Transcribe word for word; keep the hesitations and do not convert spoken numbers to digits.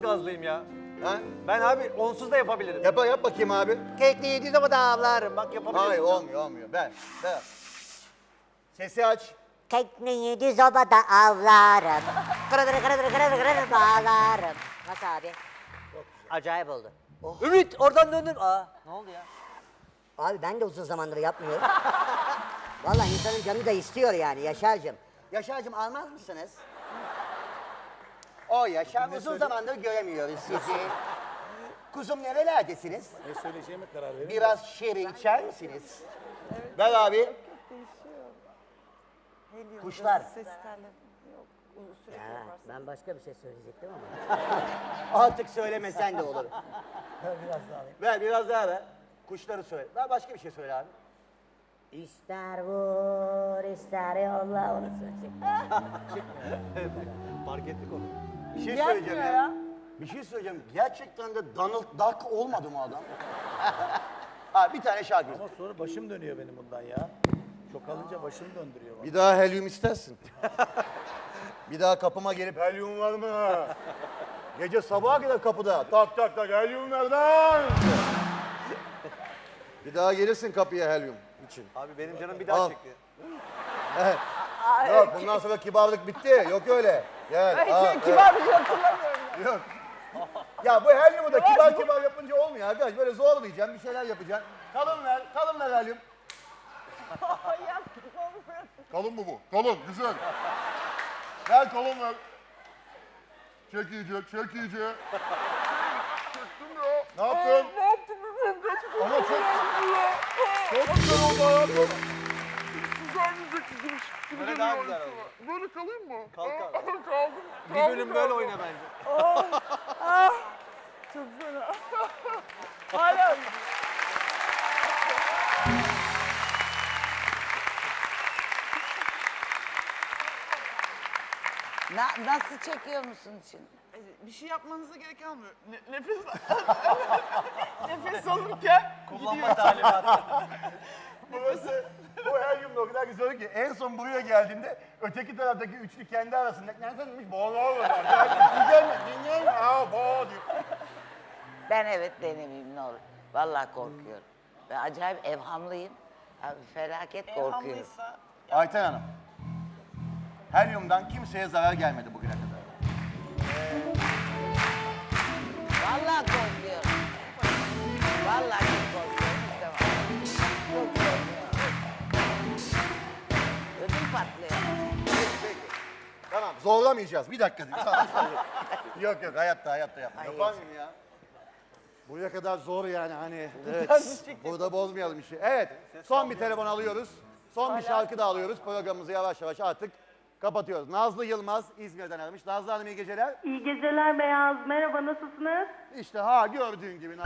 gazlıyım ya. Ha? Ben abi onsuz da yapabilirim. Yap, yap bakayım abi. Kekli yediği zaman da avlarım. Bak yapabilirim. Hayır olmuyor olmuyor. Ben. Ben. Sesi aç. Tekneyi düz obada avlarım. Kırıdır kırıdır kırıdır kırıdır bağlarım. Nasıl abi? Acayip oldu. Ümit oradan döndün. Aa ne oldu ya? Abi ben de uzun zamandır yapmıyorum. Vallahi insanın canı da istiyor yani Yaşar'cığım. Yaşar'cığım almaz mısınız? O Yaşar uzun zamandır göremiyoruz sizi. Kuzum nerelerdesiniz? Ne söyleyeceğime karar verin. Biraz şeri içer misiniz? Ver abi. Kuşlar. Ses telleri yok. Uzun süre Ya, yaparsın. ben başka bir şey söyleyecektim ama. Artık söylemesen de olur. Ver biraz daha ver. Kuşları söyle. Ver başka bir şey söyle abi. İster vur, ister yolla onu söyleyecek. Fark ettik onu. Bir şey Gelmiyor söyleyeceğim ya. ya. Bir şey söyleyeceğim. Gerçekten de Donald Duck olmadı mı adam? Ha bir tane şarkı. Ama sonra başım dönüyor benim bundan ya. Çok alınca başım döndürüyor bana. Bir daha helyum istersin. Bir daha kapıma gelip helyum var mı? Gece sabaha kadar kapıda. Tak tak tak helyum nereden? Bir daha gelirsin kapıya helyum için. Abi benim canım bir daha Al. çekti. Yok bundan sonra kibarlık bitti. Yok öyle. Gel. Ay, al, şey, evet. kibar bir şey hatırlamıyorum. Yok. Ya bu helyumu da kibar kibar yapınca olmuyor arkadaş. Böyle zorlayacaksın, bir şeyler yapacaksın. Kalın ver, kalın ver helyum. Ay yaptım onu. Kalın mı bu? Kalın, güzel. Ver kalın ver. Çek iyice, çek iyice. Çektim ya. Ne yaptın? Ne yaptın bilmiyorum. Kaç Ama çok... Çok güzel oldu hayatım. Güzelmeyecek gibi. gibi Böyle geliyor daha güzel insana. oldu. Böyle kalayım mı? Kalk abi. Kaldım. Bir kaldım bölüm ya. böyle oyna bence. Çok fena. Hala. Na, nasıl çekiyor musun şimdi? Bir şey yapmanıza gerek kalmıyor. Ne- nefes nefes alırken Kullanma talimatı. Burası, bu helyumda o kadar güzel oldu ki en son buraya geldiğinde öteki taraftaki üçlü kendi arasında nereden demiş boğaz olurlar. Güzel mi? Dinleyin mi? Aa boğa diyor. Ben evet denemeyeyim ne olur. Vallahi korkuyorum. Ben acayip evhamlıyım. Abi felaket korkuyorum. hamlıysa Ayten Hanım, helyumdan kimseye zarar gelmedi bugüne kadar. Vallahi korkuyorum. Vallahi çok korkuyorum. İstemem. Çok korkuyorum. Ödüm patlıyor. Tamam, zorlamayacağız. Bir dakika. yok yok, hayatta hayatta yapma. Ay, Yapar mıyım ya? Buraya kadar zor yani hani. Evet, burada bozmayalım işi. Evet, son bir telefon alıyoruz. Son bir şarkı da alıyoruz. Programımızı yavaş yavaş artık kapatıyoruz. Nazlı Yılmaz İzmir'den aramış. Nazlı Hanım iyi geceler. İyi geceler Beyaz. Merhaba, nasılsınız? İşte ha gördüğün gibi.